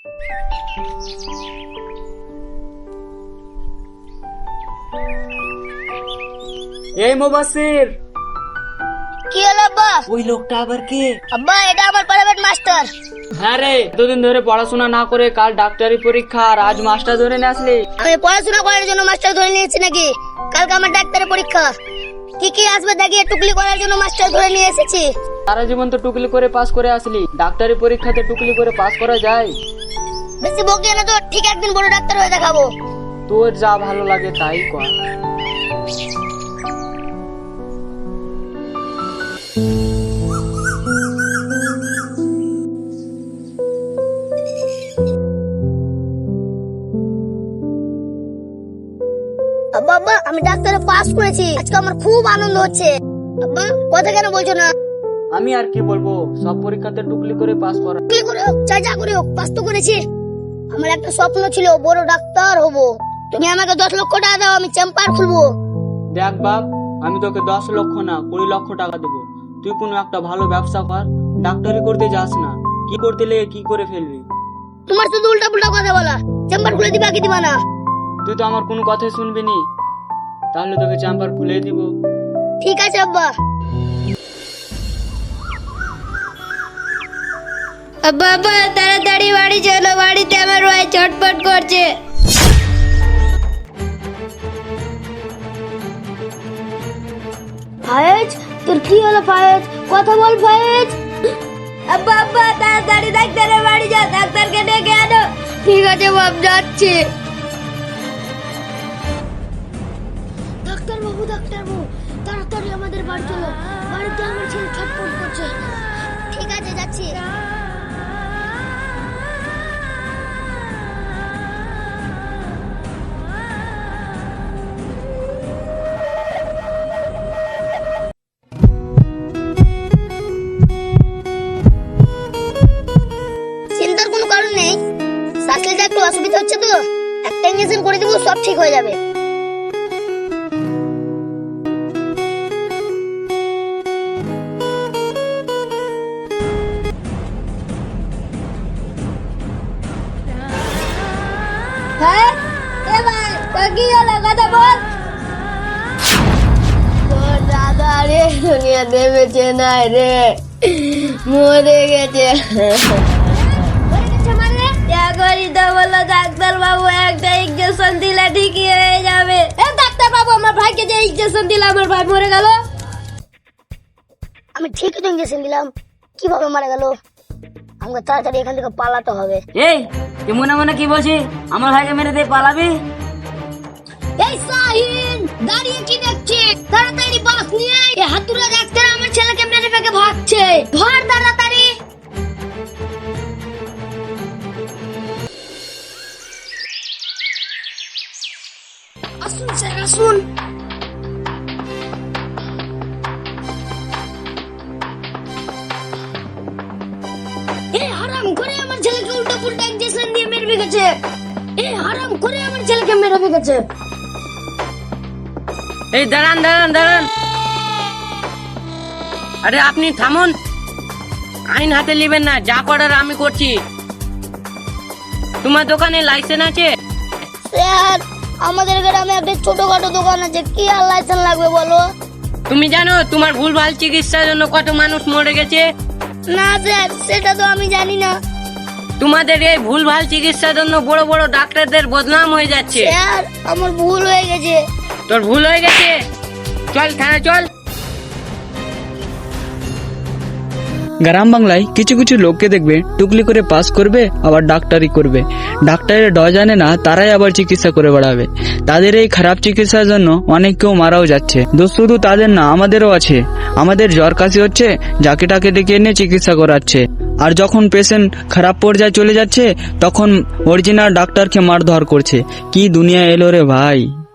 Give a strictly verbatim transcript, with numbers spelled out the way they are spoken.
এই মুবাসির, কি হলো আব্বা? ওই লোকটা আবার কে? আব্বা এটা আমার প্রাইভেট মাস্টার। হ্যাঁ রে, দুদিন ধরে পড়াশোনা না করে কাল ডাক্তারি পরীক্ষা আর আজ মাস্টার ধরে নিয়ে আসলি। আমি পড়াশোনা করার জন্য মাস্টার ধরে নিয়েছি নাকি? কালকে আমার ডাক্তারি পরীক্ষা, কি কি আসবে দেখিয়ে টুকলি করার জন্য মাস্টার ধরে নিয়ে এসেছি। সারা জীবন তো টুকলি করে পাস করে আসলি, ডাক্তারি পরীক্ষাতে টুকলি করে পাস করা যায়? বেশি বকিয়ে না তো, ঠিক একদিন বড় ডাক্তার হয়ে দেখাবো। তোর যা ভালো লাগে তাই কর। আব্বা আব্বা আমি ডাক্তারে পাস করেছি, আজকে আমার খুব আনন্দ হচ্ছে। আব্বা কথা কেন বলছো না? আমি আর কি বলবো, সব পরীক্ষাতে টুকলি করে পাস করা। কি করে হোক, চাই যা করে হোক, পাস তো করেছি। আমার একটা স্বপ্ন ছিল বড় ডাক্তার হব। তুমি আমাকে দশ লক্ষ টাকা দাও, আমি চেম্বার খুলবো। দেখ বাপ, আমি তোকে দশ লক্ষ না কুড়ি লক্ষ টাকা দেবো, তুই কোনো একটা ভালো ব্যবসা কর। ডাক্তারি করতে যাস না, কি করতে লেগে কি করে ফেলবি। তোমার শুধু উল্টা পুল্টা কথা বলা। চেম্বার খুলে দিবা কি দিবা না? তুই তো আমার কোনো কথাই শুনবি নি, তাহলে তোকে চেম্বার খুলে দিব। ঠিক আছে আব্বা। আব্বা আব্বা তাড়াতাড়ি বাড়ি চলো, বাড়িতে আমার ভাই ছটফট করছে। ফায়েজ, তোর কি হলো ফায়েজ? কথা বল ফায়েজ। আব্বা আব্বা তাড়াতাড়ি ডাক্তারের বাড়ি যাও, ডাক্তারকে ডেকে আনো। ঠিক আছে বাপ, যাচ্ছি। ডাক্তার বাবু ডাক্তার বাবু তাড়াতাড়ি আমাদের বাড়ি চলো, বাড়িতে আমার ছেলে ছটফট করছে। ঠিক আছে যাচ্ছি। চিন্তার কোনো কারণ নেই, শ্বাস নিতে একটু অসুবিধা হচ্ছে তো একটা ইঞ্জেকশন করে দিব, সব ঠিক হয়ে যাবে। হ্যাঁ এ ভাই তোর কি হলো, কথা বল। তোর দাদা রে দুনিয়া দেবেছে না রে, মরে গেছে। ডাক্তার বাবু একটা ইঞ্জেকশন দিলে ঠিকই হয়ে যাবে। ডাক্তার বাবু আমার ভাইকে যে ইঞ্জেকশন দিলে আমার ভাই মরে গেল। আমি ঠিকই তো ইঞ্জেকশন দিলাম, কিভাবে মারা গেল? আমাকে তাড়াতাড়ি এখান থেকে পালাতে হবে। এই তুই মনে মনে কি বলছিস? আমার ভাইকে মেরে দিয়ে পালাবি? এই শাহিন, দাঁড়িয়ে কি দেখছিস? তাড়াতাড়ি বাস নিয়ে আয়। এই হাতুড়ে ডাক্তার আমার ছেলেকে মেরে ফেকে ভাগছে, ধর তাড়াতাড়ি। আসুন স্যার আসুন। এই হারাম করে আমার ছেলেকে উল্টো পুল্টা ইনজেকশন দিয়ে মেরে ফেকেছে। এই হারাম করে আমার ছেলেকে মেরে ফেকেছে। এই দাঁড়ান দাঁড়ান দাঁড়ান, আরে আপনি থামুন, আইন হাতে নেবেন না, যা করার আমি করছি। তোমার দোকানে লাইসেন্স আছে? স্যার আমাদের গ্রামে একটা ছোটখাটো দোকান আছে, কি আর লাইসেন্স লাগবে বলো? তুমি জানো তোমার ভুলভাল চিকিৎসার জন্য কত মানুষ মরে গেছে? না স্যার, সেটা তো আমি জানি না। তোমাদের এই ভুলভাল চিকিৎসার জন্য বড় বড় ডাক্তারদের বদনাম হয়ে যাচ্ছে। স্যার আমার ভুল হয়ে গেছে। তোর ভুল হয়ে গেছে, চল থানা চল। গ্রাম বাংলায় কিছু কিছু লোককে দেখবে টুকলি করে পাস করবে আবার ডাক্তারি করবে, ডাক্তারের ড জানে না তারাই আবার চিকিৎসা করে বেড়াবে। তাদের এই খারাপ চিকিৎসার জন্য অনেক কেউ মারাও যাচ্ছে। দোষ শুধু তাদের না, আমাদেরও আছে। আমাদের জ্বর কাশি হচ্ছে, যাকে টাকে ডেকে এনে চিকিৎসা করাচ্ছে, আর যখন পেশেন্ট খারাপ পর্যায়ে চলে যাচ্ছে তখন অরিজিনাল ডাক্তারকে মারধর করছে। কি দুনিয়া এলো রে ভাই।